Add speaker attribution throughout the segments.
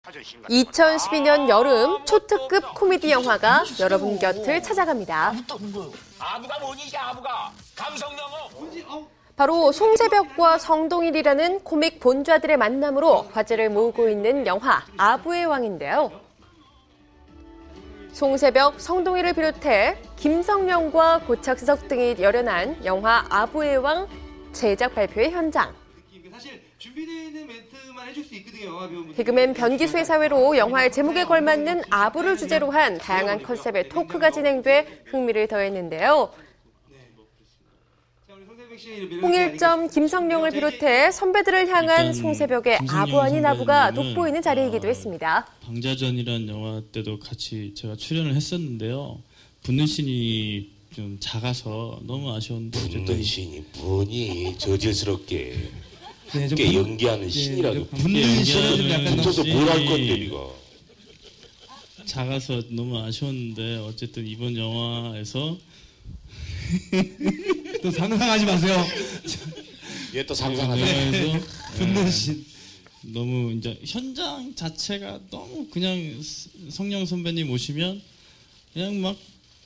Speaker 1: 2012년 여름 초특급 코미디 영화가 여러분 곁을 찾아갑니다.
Speaker 2: 아부가 뭐니, 아부가? 감성영어?
Speaker 1: 바로 송세벽과 성동일이라는 코믹 본좌들의 만남으로 화제를 모으고 있는 영화 아부의 왕인데요. 송세벽, 성동일을 비롯해 김성령과 고착석 등이 열연한 영화 아부의 왕 제작 발표회 현장.
Speaker 3: 사실 준비되어 있는 멘트만 해줄 수 있거든요, 영화 배우분들.
Speaker 1: 개그맨 변기수의 사회로 영화의 제목에 걸맞는 아부를 주제로 한 다양한 컨셉의 토크가 진행돼 흥미를 더했는데요. 홍일점, 김성령을 비롯해 선배들을 향한 송세벽의 아부 아닌 아부가 돋보이는 자리이기도 했습니다.
Speaker 4: 방자전이라는 영화 때도 같이 제가 출연을 했었는데요. 붙는 씬이 좀 작아서 너무 아쉬웠는데
Speaker 2: 붙는 씬이 뭐니, 저질스럽게.
Speaker 3: 네,
Speaker 2: 꽤 연기하는 신이라도
Speaker 3: 붙는 씬은 좀 약간
Speaker 2: 붙어서 뭘 할 건데, 네가.
Speaker 4: 작아서 너무 아쉬웠는데 어쨌든 이번 영화에서
Speaker 3: 또 상상하지 마세요.
Speaker 2: 얘 또 상상하네.
Speaker 4: 영화에서
Speaker 3: 붙는 씬.
Speaker 4: 너무 이제 현장 자체가 너무 그냥 성령 선배님 오시면 그냥 막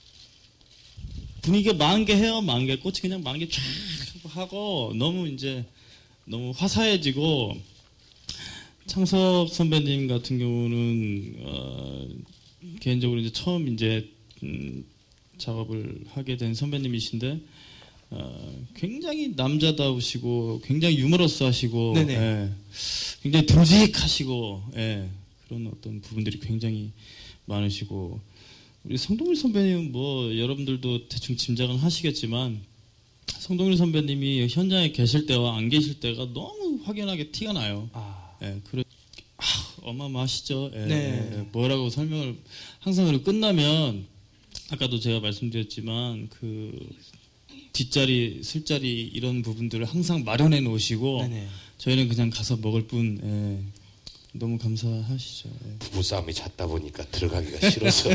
Speaker 4: 분위기가 만개 해요. 만개 꽃이 그냥 만개 쫙 하고 너무 이제 너무 화사해지고 창석 선배님 같은 경우는 개인적으로 이제 처음 이제 작업을 하게 된 선배님이신데 굉장히 남자다우시고 굉장히 유머러스하시고 예, 굉장히 듬직하시고 예, 그런 어떤 부분들이 굉장히 많으시고 우리 성동일 선배님은 뭐 여러분들도 대충 짐작은 하시겠지만 성동일 선배님이 현장에 계실 때와 안 계실 때가 너무 확연하게 티가 나요. 예, 어마어마하시죠. 예,
Speaker 3: 네.
Speaker 4: 예, 뭐라고 설명을 항상 그리고 끝나면 아까도 제가 말씀드렸지만 그 뒷자리, 술자리 이런 부분들을 항상 마련해 놓으시고
Speaker 3: 네네.
Speaker 4: 저희는 그냥 가서 먹을 뿐 예, 너무 감사하시죠. 예.
Speaker 2: 부부싸움이 잦다 보니까 들어가기가 싫어서.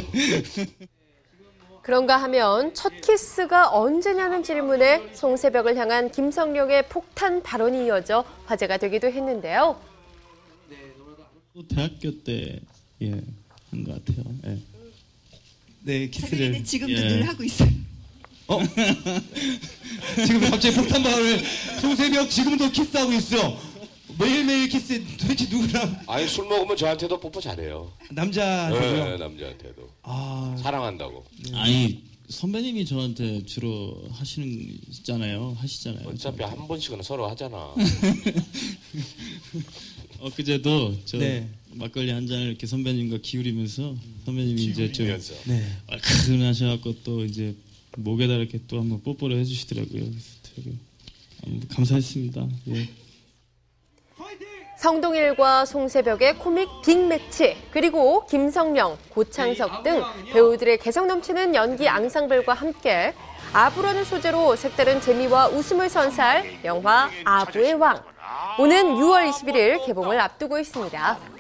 Speaker 1: 그런가 하면 첫 키스가 언제냐는 질문에 송세벽을 향한 김성령의 폭탄 발언이 이어져 화제가 되기도 했는데요.
Speaker 4: 또 대학교 때 예, 한 것 같아요. 예.
Speaker 3: 네, 키스를.
Speaker 5: 지금도
Speaker 4: 예.
Speaker 5: 늘 하고 있어요.
Speaker 3: 지금 갑자기 폭탄 발언을 송세벽 지금도 키스하고 있어. 매일매일 키스. 도대체 누구랑?
Speaker 2: 아니, 술 먹으면 저한테도 뽀뽀 잘해요.
Speaker 3: 남자한테요?
Speaker 2: 네, 남자한테도.
Speaker 3: 아,
Speaker 2: 사랑한다고.
Speaker 4: 아니 선배님이 저한테 주로 하시잖아요.
Speaker 2: 어차피
Speaker 4: 저한테.
Speaker 2: 한 번씩은 서로 하잖아.
Speaker 4: 엊그제도 저
Speaker 3: 네.
Speaker 4: 막걸리 한 잔을 이렇게 선배님과 기울이면서 선배님이 이제 좀
Speaker 2: 기울이면서.
Speaker 3: 네.
Speaker 4: 얼큰하셔갖고 또 이제 목에다 이렇게 또 한번 뽀뽀를 해주시더라고요. 그래서 되게 감사했습니다. 예.
Speaker 1: 성동일과 송세벽의 코믹 빅매치, 그리고 김성령, 고창석 등 배우들의 개성 넘치는 연기 앙상블과 함께 아부라는 소재로 색다른 재미와 웃음을 선사할 영화 아부의 왕. 오는 6월 21일 개봉을 앞두고 있습니다.